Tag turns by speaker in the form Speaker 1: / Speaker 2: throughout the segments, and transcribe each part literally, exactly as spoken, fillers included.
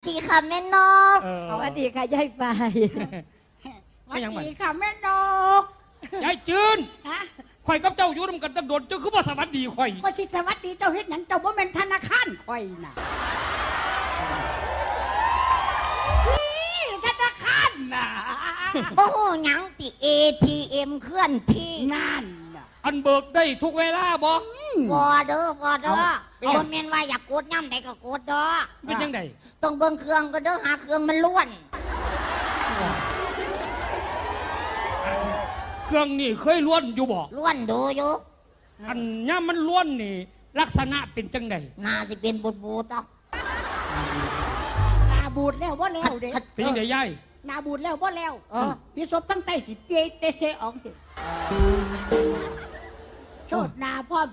Speaker 1: ดีค่ะแม่นก
Speaker 2: สวัสดีค่ะยายไฟ
Speaker 3: สวัสดีค่ะแม่นก
Speaker 4: ยายจืน
Speaker 3: ฮะ
Speaker 4: ข่อยกับเจ้าอยู่ร่วมกันตั้งโดดเจ้าคือบ่สวัสดีข่อย
Speaker 3: ก็สิสวัสดีเจ้าเฮ็ดหยังเจ้าบ่แม่นธนาคารข่อยน่ะธนาคารน่ะ
Speaker 1: โอ้โหหยังติ เอ ที เอ็ม เคลื่อนที่
Speaker 3: นั่น
Speaker 4: อันเบิกได้ทุกเวลาบ่
Speaker 1: บอเด้อบอเด้อบ่แม่นว่าอยากกดย่ำใดก็กดเด้อ
Speaker 4: เป็นยังไง
Speaker 1: ต้องเบิ่งเครื่องก็เด้อหาเครื่องมันล้วน
Speaker 4: เครื่องนี่เคยล้วนอยู่บ่
Speaker 1: ล้วนดูอยู่
Speaker 4: อันย่ามันล้วนนี่ลักษณะเป็นจังได
Speaker 1: น่าสิเป็นบูดบูดต่อ
Speaker 3: หน้าบูดแล้วบ่แล้วเด้
Speaker 4: เป็นยังไงยาย
Speaker 3: หน้าบูดแล้วบ่แล้ว
Speaker 1: เออ
Speaker 3: พี่ศพทั้งใต้สิเตเตเซอองสิโชดหน้าพร้อม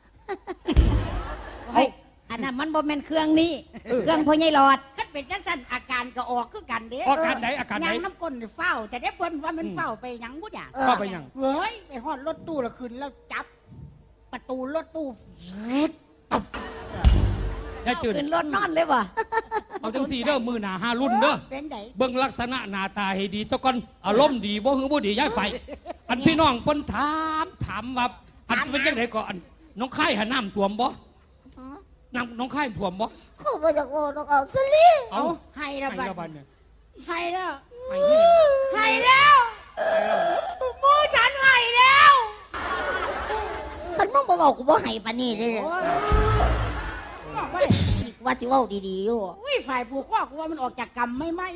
Speaker 2: เฮ้ยอันนั้นมันบ่แม่นเครื่องนี้เครื่องพ่อใหญ่หลอด
Speaker 3: คันเป็นจังซั่นอาการก็ออกคือกันเด้
Speaker 4: อาการไหนอาการไหน
Speaker 3: ยังน้ำก้นเฝ้าแต่ได้เพิ่นว่ามันเฝ้าไปหยังบ่อย่าง
Speaker 4: เฝ้าไปหยัง
Speaker 3: เฮ้ยไปฮอดรถตู้แล้วขึ้นแล้วจับประตูรถตู้
Speaker 4: ยายจืด
Speaker 2: ขึ้นรถนอนเลยว่ะ
Speaker 4: เอาจังสี่เด้อมือหนาห้ารุ่นเด้อ
Speaker 3: เป็นได
Speaker 4: เบิ่งลักษณะหน้าตาให้ดีเจ้าก่อนอารมณ์ดีบ่หือบ่ดีย้ายไปอันพี่น้องเพิ่นถามถามว่าอันเป็นจังได๋ก็อันน้องค่ายหาน้ำท่วมบ่น้ำน้องค่ายท่วมบ่
Speaker 1: เขาบ่อยากโอ้ต้องเอาซะลิ
Speaker 3: เอาให้แล้วบัด
Speaker 4: เนี่ย
Speaker 3: ให้แล้วให้แล้วมูฉันให้แล้ว
Speaker 1: คันมึงบ่บอกกูบ่ให้ปานนี้เลยว่าสิเว้าดีๆอยู่
Speaker 3: อุ้ยฝ่ายผูกข้อกูว่ามันออกจากกรรมไม่ไหม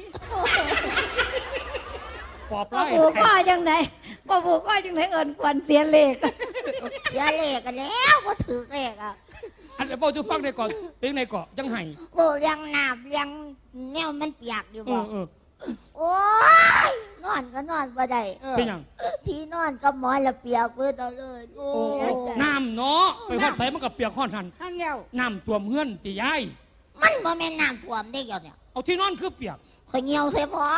Speaker 4: ปอบไล่
Speaker 2: ผูกข้อจังไหนบ่ผูกข้อจังไหนเอิ้นควรเสียเลข
Speaker 1: เสียเลขกันแล้วบ่ถือเลขอ่ะ
Speaker 4: อันแล้วบ่จะฟังได้ก่อนเป็นในเกาะจังไห้
Speaker 1: โอ้เลี้ยงน้ำเลี้ยงแนวมันเปียกอยู่บ่โอ้ยนอนก็นอนบ่ได้
Speaker 4: เป็นหยัง
Speaker 1: ที่นอนก็หมอนละเปียกเบิดเอาเลย
Speaker 4: โอ้น้ำเนาะไปฮอดไสมันก็เปียกฮอดหั่น
Speaker 3: นั่นแล้ว
Speaker 4: น้ำท่วมเฮือนติยาย
Speaker 1: มันบ่แม่นน้ำท่วมได้เกี่ยวเนี่ย
Speaker 4: เอาที่นอนคือเปียก
Speaker 1: ข่อยเหี่ยวใส่พอ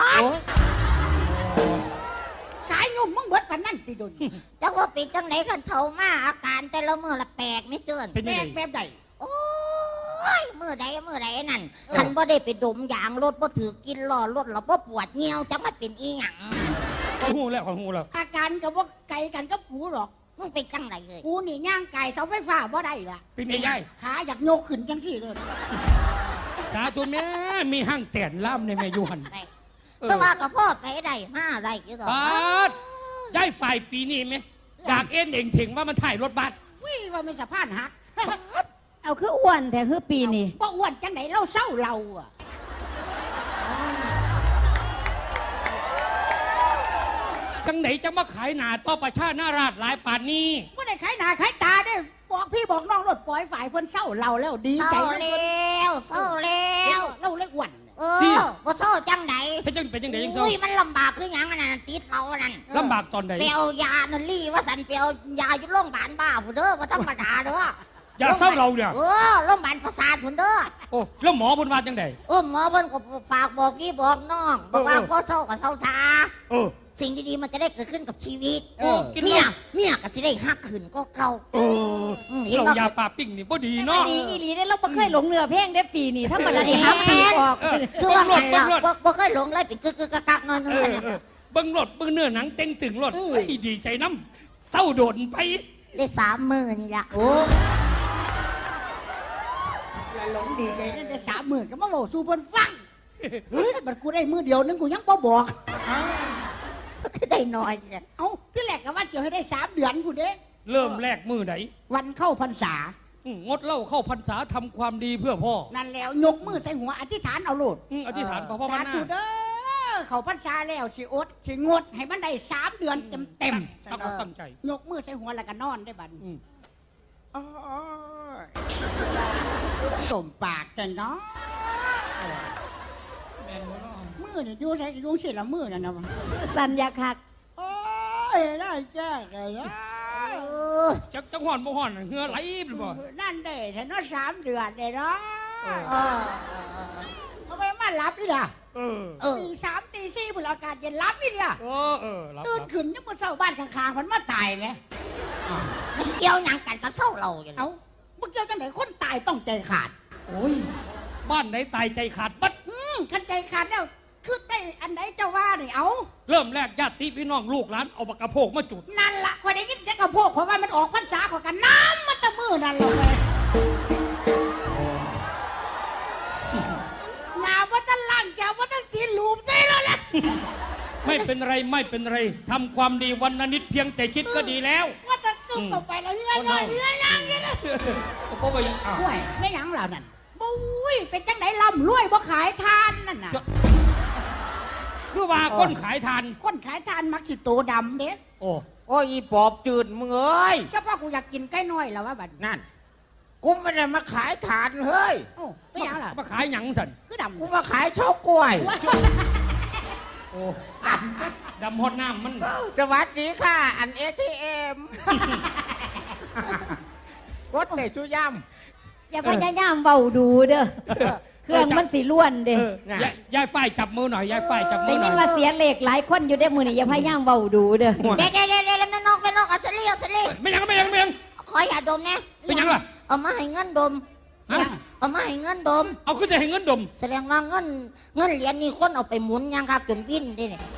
Speaker 3: สายยุ่มมึงเบิดปานนั้นติดน
Speaker 1: จักว่าเป็นจังไหนกันเฒ่ามาอาการแต่ละมื้อละแปลกไม่เจิน
Speaker 3: แปลกแบบใด
Speaker 1: โอ้ยมื้อใดมื้อใดนั่นคันบ่ได้ไปดมยางรถบ่ถือกินล้อรถแล้วบ่ปวดเหี่ยวจักมาเป็นอีหยัง
Speaker 4: ข้อยฮู้แล้วข้อยฮู้แล้ว
Speaker 3: อาการก็บ่ไกลกันกับกูหรอก
Speaker 1: มึงเป็นจังไดเลย
Speaker 3: กูนี่ย่างไก่เสาไฟฟ้าบ่ได้ล่ะ
Speaker 4: เป็นไงยาย
Speaker 3: ขาอยากโยกขึ้นจังซี่เลย
Speaker 4: ตาตัวแม่มีห้างแต้นล่ำในแม่อยู่หั่น
Speaker 1: แต่ว่าก็พ่อไปได้มาได้กี่ดอก
Speaker 4: บาดได้ฝ่ายปีนี้ไหมดากเอ็นเองถึงว่ามันถ่ายรถบัส
Speaker 3: วิ่งว่าไม่สะพานหัก
Speaker 2: เอาคืออ้วนแต่คือปีนี้
Speaker 3: บ่อ้วนจังไหนเราเศร้าเราอ่ะ
Speaker 4: จังไหนจะมาขายหนาต่อประชาหน้าราชหลายป่านนี้
Speaker 3: บ่ได้ขายหน้าขายตาได้บอกพี่บอกน้องรถปล่อยฝ่ายเพิ่นเศร้าเราแล้วดีใจ
Speaker 1: แล้วเศร้าแล้ว
Speaker 3: เราเล็กอ้วน
Speaker 1: เออบ่เศร้าจังไหน
Speaker 4: เป็นจังเป็นจังไหนยังเศร้า
Speaker 1: อุ้ยมันลำบากคือหยังนั่นติดเรานั่น
Speaker 4: ลำบากตอนไหน
Speaker 1: เปียวยานั่นลี่ว่าสันเปียวยาอยู่โรงพยาบาลบ้าผู้เด้อบ่ธรรมดาเด้
Speaker 4: อยาเศร้าเราเนี่ย
Speaker 1: เออโรงพยาบาลประสาทผู้เด้อ
Speaker 4: โอ้แล้วหมอเพิ่นว่าจังได
Speaker 1: เออหมอเพิ่นก็ฝากบอกพี่บอกน้องบอกว่าพอเศร้าก็เศร้าซา
Speaker 4: เออ
Speaker 1: สิ่งดีๆมันจะได้เกิดขึ้นกับชีวิตเนี่ยเนี่ยก็สิได้ฮักขึ้นก็เก่า
Speaker 4: เออเรายาปลาปิ้งนี่บ่ดีเนาะ
Speaker 2: ดีอีหลีได้เราบ่เคยหลงเนื้อเพลงได้ปีนี้ถ้ามันได้ฮักปีออก
Speaker 1: คือว่ามันเราบ่เคยหลงเลยเป็นกึกๆกักๆนอนๆ
Speaker 4: เบิ่งรถเบิ่งเนื้อหนังเต็งตึงรถดีใจน้ำเศร้าโดนไป
Speaker 1: ได้สามมื้อนี่ล่ะ
Speaker 3: โอ้ละหลงดีใจได้สามมื้อก็มาเว้าสู่เพิ่นฟังเฮ้ยบัดกูได้มื้อเดียวนึงกูยังบ่บอก
Speaker 1: คือได้น้อยเนี่ย
Speaker 3: เอ้าที่แรกก็ว่าสิให้ได้สามเดือนพุ่นเด้
Speaker 4: เริ่มแรกมื้อไหน
Speaker 3: วันเข้าพรรษาง
Speaker 4: ดเหล้าเข้าพรรษาทำความดีเพื่อพ่อ
Speaker 3: นั่นแล้วยกมือใส่หัวอธิษฐานเอาโลด
Speaker 4: อธิษฐานพ่อพ่อมาหน้า
Speaker 3: สาธุเด้อเข้าพรรษาแล้วสิอดสิงดให้มันได้สามเดือนเต็มๆ
Speaker 4: ตั้งตั้งใจ
Speaker 3: ยกมือใส่หัวแล้วก็นอนได้บัดอ๋อสมปากจังเนาะมือเนี่ยยูใส่ยูเสียละมือนั่นนะ
Speaker 2: สัญญาคัก
Speaker 3: โอ้ยได้แจ้งเลย
Speaker 4: จักจังหอนบ่หอนเหือไหลหรือบ่
Speaker 3: นั่นเด้ฉันว่าสามเดือนเลยเนาะทำไมมาหลับอีล่ะตีสามตีสี่บุรอากาศเย็นหลับอีล่ะตื่นขึ้นยังบนเสาบ้านข้างๆมันมาตายไหม
Speaker 1: เกี่ยวหยังกันกับเศร้าเราอย่าง
Speaker 3: เอ้าเมื่อเกี่ยวจังไหนคนตายต้องใจขาด
Speaker 4: โอ้ยบ้านไหนตายใจขาดบัด
Speaker 3: มขันใจขาดแล้วคือได้อันใดเจ้าว่านี่เอา
Speaker 4: เริ่มแรกญาติพี่น้องลูกหลานเอาปากกระโพกมาจุด
Speaker 3: นั่นละคอยได้ยินเสียงกระโพกขอยว่ามันออกพรรษาขอยกันน้ำมันตะมือนั่นเลย หนาว่าตั้งล่างแกว่าตั้งสีหลูมใช่แล้วแหละ
Speaker 4: ไม่เป็นไรไม่เป็นไรทำความดีวันละนิดเพียงแต่คิดก็ดีแล้ว
Speaker 3: ว่าตั้งกึ่งต่อไปแล้วเฮือนหน่อยเฮือนยังไงนะ
Speaker 4: ก็ไปอ้าว
Speaker 3: ห่วยไม่หยังเหล่านั้นบุ้ยเป็นจังไหนล่ำรวยบ่ขายทานนั่นน่ะ
Speaker 4: คือว่าคนขายทาน
Speaker 3: คนขายทานมักสิโตดำเด้
Speaker 4: โอ้
Speaker 5: โอ้ยอีปอบจืดมึงเอ้ย
Speaker 3: เฉพาะกูอยากกินไก่น้อยแล้วว่าบัด
Speaker 5: นั่น กูไม่ได้มาขายฐานเฮ้ย
Speaker 3: โอ้ไม่หยังล่ะ
Speaker 4: มาขายหยังสัน
Speaker 3: คือดำ
Speaker 5: กูมาขายเฉากล้วย
Speaker 4: โอ้ดำฮอดน้ำมัน
Speaker 5: สวัสดีค่ะ อันเอทีเอ็มกดเลยชุย่
Speaker 2: อย่าพยายามเบาดูเด้อเครื่องมันสีล้วนเด้
Speaker 4: เออยายยายฝ้ายจับมือหน่อยยายฝ้ายจับมื
Speaker 2: ได้
Speaker 4: อหน่
Speaker 2: ยิ
Speaker 4: อน ย
Speaker 2: ว่าเสียเหล็กหลายคนอยู่ได้มือนี่อย่าพยายามเบาดูเด้อ
Speaker 1: เด็ดเด็ดเด็ดเด็ดแม่นกแม่นกเอาสลีเอาสลี
Speaker 4: ไม่ยังไม่ยังไม่ยัง
Speaker 1: ขออย่าดมนะ
Speaker 4: เป็นหยังล่ะ
Speaker 1: เอามาให้เงินดม
Speaker 4: ฮะ
Speaker 1: เอามาให้เงินดม
Speaker 4: เอาขึ้นจะให้เงินดม
Speaker 1: แสดงว่าเงินเงินเหรียญนี่คนเอาไปหมุนยังครับจนวิ่นได้เนี่ย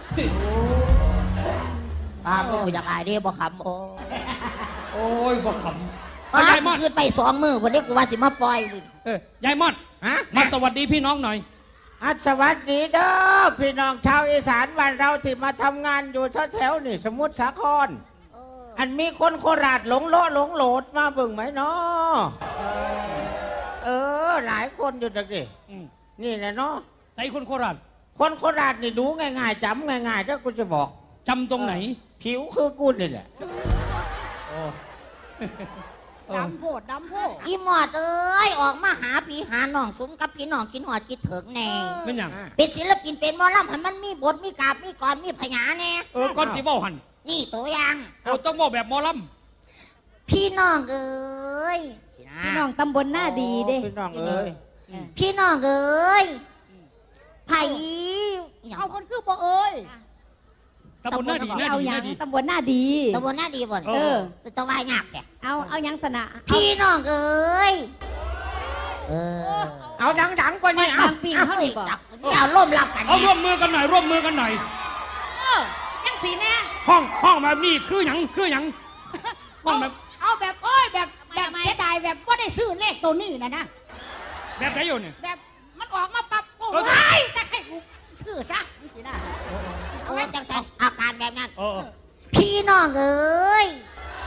Speaker 1: ป้าบ่อยากอายเด้บ่ขำโอ้
Speaker 4: โอ้ยบ่ขำ
Speaker 1: ป้าย
Speaker 4: ายมอด
Speaker 1: คืนไปสองมือวันนี้กูว่าสิมาปล่อยเลย
Speaker 4: เออยายมอด
Speaker 5: ำฮะ
Speaker 4: มาสวัสดีพี่น้องหน่อย
Speaker 5: อ่ะสวัสดีเด้อพี่น้องชาวอีสานบ้านเราที่มาทำงานอยู่แถวๆนี่สมุทรสาคร
Speaker 1: เออ
Speaker 5: อันมีคนโคราชหลงโลหลงโหลดมาเบิ่งไหมเนาะ
Speaker 1: เออ
Speaker 5: เออ หลายคนอยู่ดักดิ
Speaker 4: อืม
Speaker 5: นี่แหละเนาะ
Speaker 4: ใจคนโคราช
Speaker 5: คนโคราชนี่ดูง่ายๆจำง่ายๆถ้ากูจะบอก
Speaker 4: จำตรงไหน
Speaker 5: ผิวคือกูนี่แหละ
Speaker 4: โอ้เออ
Speaker 3: ดำโพดดำโพด
Speaker 1: อีหมอดเอ้ยออกมาหาพี่หาน้องสมกับพี่น้องกินหอดกินเถิงแน่
Speaker 4: ไม่หยัง
Speaker 1: เป็นศิลปินเป็นหมอลำให้มันมีบทมีกาบมีกรมีพยาแน่
Speaker 4: เออก้อนสีเบ้าหัน
Speaker 1: นี่ตัวอย่าง
Speaker 4: เอาต้องบอกแบบหมอล
Speaker 1: พี่น้องเอ้ยสินะ
Speaker 2: พี่น้องตำบลหน้าดีเด้
Speaker 5: พี่น้องเอ้ย
Speaker 1: พี่น้องเอ้ยไผ่อย่าง
Speaker 3: เอาคนคือบ่เอ้ย
Speaker 4: ำตำบลหน้าดีหน้า
Speaker 2: เอา
Speaker 4: ดี
Speaker 2: ห
Speaker 4: ห
Speaker 2: ยั
Speaker 4: น้าง ดี
Speaker 2: ตำบลหน้าดี
Speaker 1: ตำบลหน้าดีบ่น
Speaker 4: เอ
Speaker 2: เออ
Speaker 1: เป็นตะวายยากแก
Speaker 2: เอาเอาหยังสนะเอา
Speaker 1: พี่น้องเอ้ยเออ
Speaker 5: เอาดังๆกว่านี้เอา
Speaker 2: บางปีเท่าไหร่บ่
Speaker 1: จับอย่าร่วมรับกัน
Speaker 4: เอาร่วมมือกันหน่อยร่วมมือกันหน่อย
Speaker 2: เออยังสีแน่
Speaker 4: ห้องห้องแบบนี้คือหยังคือหยังห้องแบบ
Speaker 3: เอาแบบเอ้ยแบบแบบเสียดายแบบว่าได้ซื้อเลขตัวนี้นะนะ
Speaker 4: แบบไหนอยู่เนี่ย
Speaker 3: แบบมันออกมาปั๊บโอ้
Speaker 4: เออ
Speaker 3: ยแต่ให้กูชื่อซะนี่สินะ
Speaker 1: เออจังสันอาการแบบนั้น
Speaker 4: เออ
Speaker 1: พี่น้องเอ้ย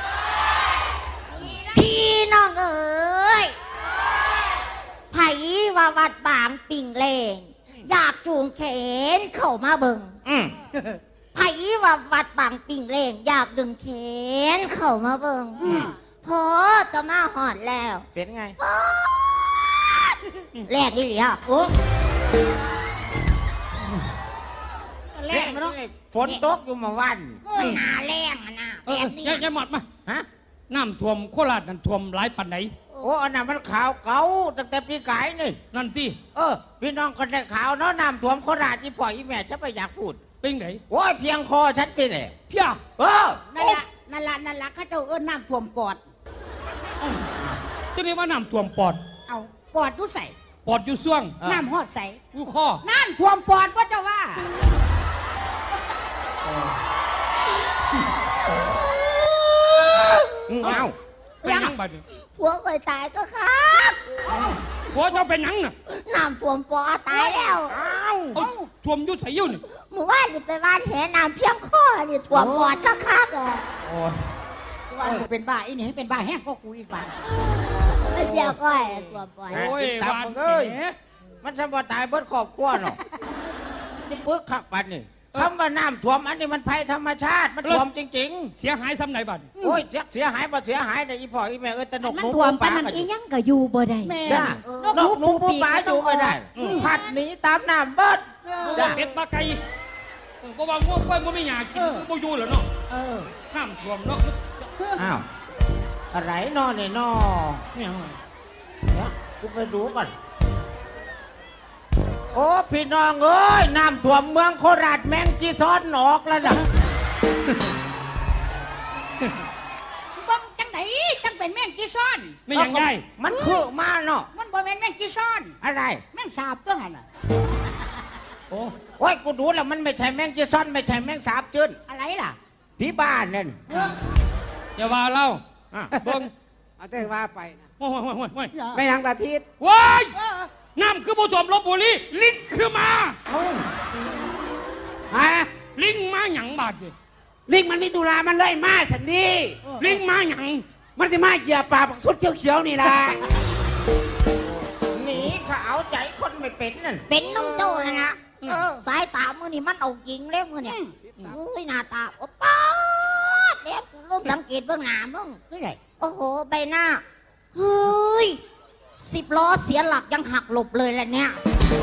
Speaker 1: พี่น้องเอ้ยไผ่ว่าวัดบางปิ่งเลงอยากจูงแขนเข้ามาเบิ่ง
Speaker 5: อืม
Speaker 1: ไผ่ว่าวัดบางปิ่งเลงอยากดึงแขนเข้ามาเบิ่งพอตะมาหอดแล้ว
Speaker 5: เป็นไง
Speaker 1: แรกนี่เหลียโอ้
Speaker 3: แรกมันเนาะ
Speaker 5: ฝนตกอยู่เมาวัน
Speaker 1: มันหนาแรงอะนะ
Speaker 4: เอ
Speaker 1: แบ
Speaker 4: อบ
Speaker 1: นี้
Speaker 4: ยายยายหมดมา
Speaker 5: ฮะ
Speaker 4: น้ำท่วมโคราชนั่นท่วมหลายปันไหน
Speaker 5: โอ้อันนั้นมันขาวเก่าตั้งแต่ปีกายนี่
Speaker 4: นั่นที่
Speaker 5: เออ พี่น้องคนได้ข่าวเนาะน้ำท่วมโคราชที่พ่ออีแม่ฉันไปอยากพูด
Speaker 4: เป็นไหน
Speaker 5: โอ้ยเพียงคอฉันไปเลย
Speaker 4: เพี้ย
Speaker 5: เออ
Speaker 3: นั่นละนั่นละนั่นละเข้าเจ้าเอิ้นน้ำท่วมปอด
Speaker 4: ตัวนี้ว่าน้ำท่วมปอด
Speaker 3: เอาปอดดูใส่
Speaker 4: ปอดอยู่ซ่วง
Speaker 5: เออ
Speaker 3: น้ำหอดใส่
Speaker 4: อยู่ข้อ
Speaker 3: น้ำท่วมปอดว่าเจ้าว่า
Speaker 5: อืมเอา
Speaker 4: เป็นหยังบัดนี้
Speaker 1: ผัวเคยตายก็ครับ
Speaker 4: หัวเจ้าเป็นหยังน่ะ
Speaker 1: น้ำท่วมปอตายแล้ว
Speaker 5: เอา
Speaker 4: เอาท่วมอยุ่ใส่ยุ่นี่
Speaker 1: หมู่ว่านนี่ไปบ้านแหน้ำเพียงข้อนี่ท่วมปอดก็คักๆอ่ะ
Speaker 4: โอ้ย
Speaker 3: ว่ากูเป็นบ้าอีนี่ให้เป็นบ้าแห้งก็กูอีกบ้า
Speaker 1: ไม่เพียงก้อยท่วมปอด
Speaker 4: โอ้ย
Speaker 5: ตาม
Speaker 4: หวาน
Speaker 5: มึงเอ้ย
Speaker 4: แหม
Speaker 5: มันสมบูตายเบิดครอบครัวเนาะจะปึกขักปันนี่คำว่าน้ำท่วมอันนี้มันภัยธรรมชาติมันท่วมจริง
Speaker 4: เสียหายซ้ำไหนบัดนี้
Speaker 5: ๆ โอ้ยเสียเสียหายบ่เสียหายในอีพ่ออีแม่เอ้ยตะนก
Speaker 2: มัน
Speaker 5: หนู
Speaker 2: ท่วม
Speaker 5: ปู
Speaker 2: ปานนั้น
Speaker 5: ก็
Speaker 2: อีหยังก็อยู่บ่ได้
Speaker 3: แม่
Speaker 5: จ้า
Speaker 1: เออน
Speaker 5: กหนูปูปลาอยู่ไม่ได้พัดหนีตามน้ำเบิด
Speaker 4: บ่ว่าเป็ดปลาไก่เออบ่ว่าง่วงกล้วยบ่มีหยากินบ่อยู่เหรอเนาะ
Speaker 3: เออ
Speaker 4: น้ำท่วมเนาะ
Speaker 5: อ้าวอะไรนอเนี่ยนอ
Speaker 4: เนี่ย
Speaker 5: เดี๋ยวกูไปดูก่อนโอ้พี่น้องเอ้ยน้ำท่วมเมืองโคราชแมงจีซ้อนออกแล้วล่ะ
Speaker 3: บ้องจังไหนจังเป็นแม่งจีซ่อน
Speaker 4: ไม่หยังได้
Speaker 5: มันคือมาเนาะ
Speaker 3: มันบ่แม่นแม่งจีซ่อน
Speaker 5: อะไร
Speaker 3: แม่งสาบตัวหันน่ะ
Speaker 5: อ้ยกูดูแล้วมันไม่ใช่แมงจีซอนไม่ใช่แมงสาบจืน
Speaker 3: อะไรล่ะ
Speaker 5: พี่บ้านนั่น
Speaker 4: อย่าว่าเล่า
Speaker 5: อ่ะ
Speaker 4: เบิ่ง
Speaker 6: เอาแต่ว่าไปนะ
Speaker 4: โอ้ยโอ้ยโอ้ยโอ้ย
Speaker 6: ไม่ยังตาทิศ
Speaker 4: ว้าย
Speaker 3: เออ
Speaker 4: น้ำคือผู้ถ่วมลบบุรีลิงคือมา
Speaker 6: ฮะ
Speaker 4: ลิงมาหยังบาดเจ็
Speaker 6: ลิงมันมีตุลามันเลยมาสันดี
Speaker 4: ลิงมาหยัง
Speaker 6: มันจะมาเหยียบปลาสุดเขียวๆนี่ล่ะ
Speaker 5: หนีเขาเอาใจคนไม่เป็นนั่น
Speaker 1: เป็นน้องโจ้นะนะสายตามือนี่มันเอาจริงเลยมือเนี่ยเอ้ยหน้าตาโอ้ป๊าดเดี๋ยวกูเริ่มสังเกตเบื้องหน้ามึง
Speaker 3: นี่ไง
Speaker 1: โอ้โห ใบหน้า เฮ้ย สิบล้อเสียหลักยังหักหลบเลยแหละเนี่ย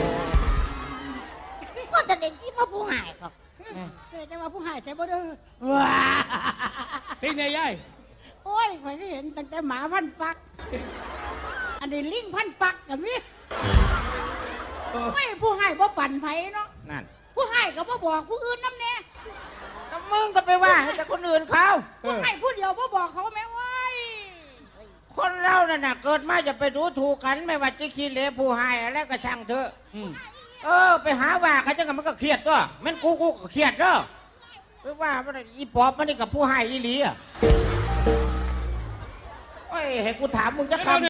Speaker 1: ก็จะเด่นที่มาผู้หายครับ
Speaker 3: เกิดจะมาผู้หายใส่บ่เด้อว้า
Speaker 4: เป็นไงยาย
Speaker 3: โอ้ยข่อยก็เห็นตั้งแต่หมาพันปัก อันนี้ลิงพันปักกับนี่ไม่ผู้ให้บ่ปั่นไผเนาะ
Speaker 5: นั่น
Speaker 3: ผู้ให้ก็บ่บอกผู้อื่นน้ำแน่
Speaker 5: แล้วมึงก็ไปว่าให้แต่คนอื่นเขา
Speaker 3: ผู้ให้ผู้เดียวบ่บอกเขาแม่ไว้
Speaker 5: คนเรานั่นน่ะเกิดมาจะไปดูถูกกันไม่ว่าจะขี้เหร่ผู้ให้อะไรก็ช่างเถอะ
Speaker 4: อืม
Speaker 5: เออไปหาว่าเขาจังกันมันก็เครียดตัวแม่นกูกูก็เครียดเด้อไปว่ามันอีปอบมันนี่กับผู้ให้อีหลีอ่ะโอ้ยให้กูถามมึงจะคำ